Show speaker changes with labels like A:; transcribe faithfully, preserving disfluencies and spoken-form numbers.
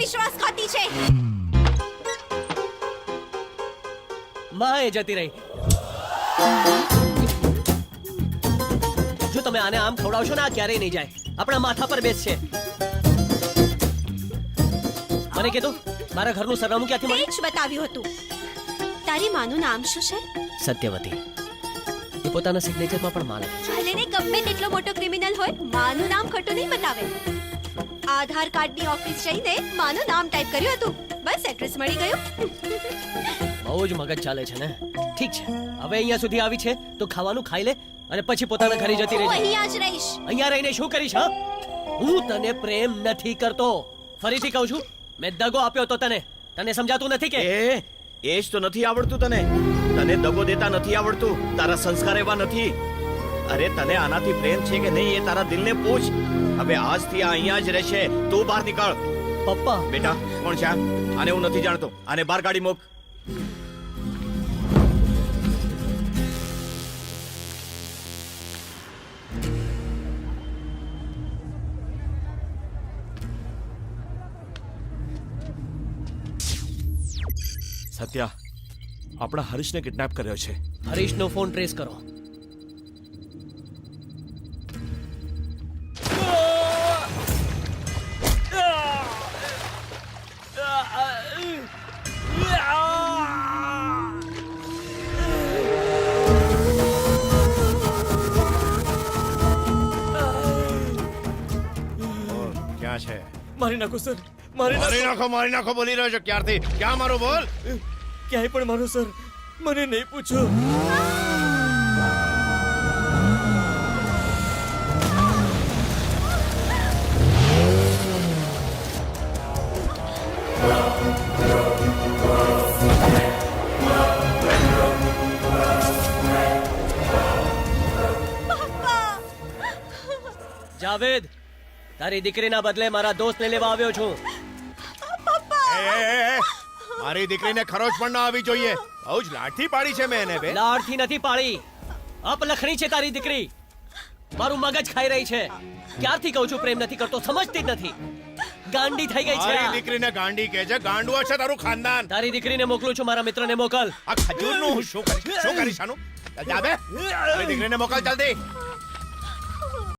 A: વિશ્વાસઘાતી છે.
B: માં એ જતી રહી. જો તમે આને આમ ખવડાવશો ને આ ક્યારેય નહીં જાય. આપણા માથા પર બેસશે. મને કીધું મારા ઘરનું સરનામું ક્યાંથી
A: તે
B: મળ્યું?
A: જ બતાવ્યું હતું. તારી માનું નામ શું છે?
B: સત્યવતી. એ પોતાના સિગ્નેચરમાં પણ માં લખે છે.
A: ભલે ને ગમે તેટલો મોટો ક્રિમિનલ હોય, માનું નામ ખોટું નહીં બતાવે. આધાર કાર્ડની ઓફિસ જઈને માનું નામ ટાઈપ કર્યું હતું. બસ એડ્રેસ મળી ગયું.
B: બહુ જ મગજ ચાલે છે ને. ઠીક છે, હવે અહીંયા સુધી આવી છે તો ખાવાનું ખાઈ લે અને પછી પોતાના ઘરે જતી
A: હું
B: રહેજે.
A: અહીંયા જ રહીશ.
B: અહીંયા રહીને શું કરીશ? હા, હું તને પ્રેમ નથી કરતો. ફરીથી કહું છું, મેં દગો આપ્યો તો તને. તને સમજાતું નથી કે?
C: એ એ જ તો નથી આવડતું તને. તને દગો દેતા નથી આવડતું. તારા સંસ્કાર એવા નથી. અરે તને આનાથી પ્રેમ છે કે નહીં એ તારા દિલને પૂછ. હવે આજથી આ અહીંયા જ રહેશે. તું બહાર નીકળ.
B: પપ્પા,
C: બેટા કોણ છે આ? આને હું નથી જાણતો. આને બહાર કાઢી મૂક.
D: સત્યા, આપણા હરીશને કિડનેપ કર્યો છે.
B: હરીશનો ફોન ટ્રેસ કરો.
C: ક્યાં છે?
D: મારી નાખો સર, મારી
C: મારી
D: નાખો.
C: નાખો મારી નાખો બોલી રહ્યો છો ક્યારથી? ક્યાં મારો બોલ?
D: ક્યાંય પણ મારો સર, મને નહીં પૂછો.
B: જાવેદ, તારી દીકરીના બદલે મારા દોસ્તને લેવા આવ્યો છું.
C: એ, એ, એ, એ, મારી દીકરીને ખરોચ પણ ના આવી જોઈએ. બહુ જ લાઠી પાડી છે મેં એને બે.
B: લાડથી નથી પાળી. અપલખણી છે તારી દીકરી. મારું મગજ ખાઈ રહી છે. ક્યારથી કહું છું પ્રેમ નથી કરતો, સમજતી જ નથી. ગાંડી થઈ ગઈ
C: મારી
B: છે.
C: દીકરીને ગાંડી કહે છે. ગાંડુઓ છે તારું ખાનદાન.
B: તારી દીકરીને મોકલું છું, મારા મિત્રને મોકલ.
C: આ ખજૂરનું હું શું કરીશ? શું કરીશ આનું? ચાલ જા બે. મારી દીકરીને મોકલ જલ્દી.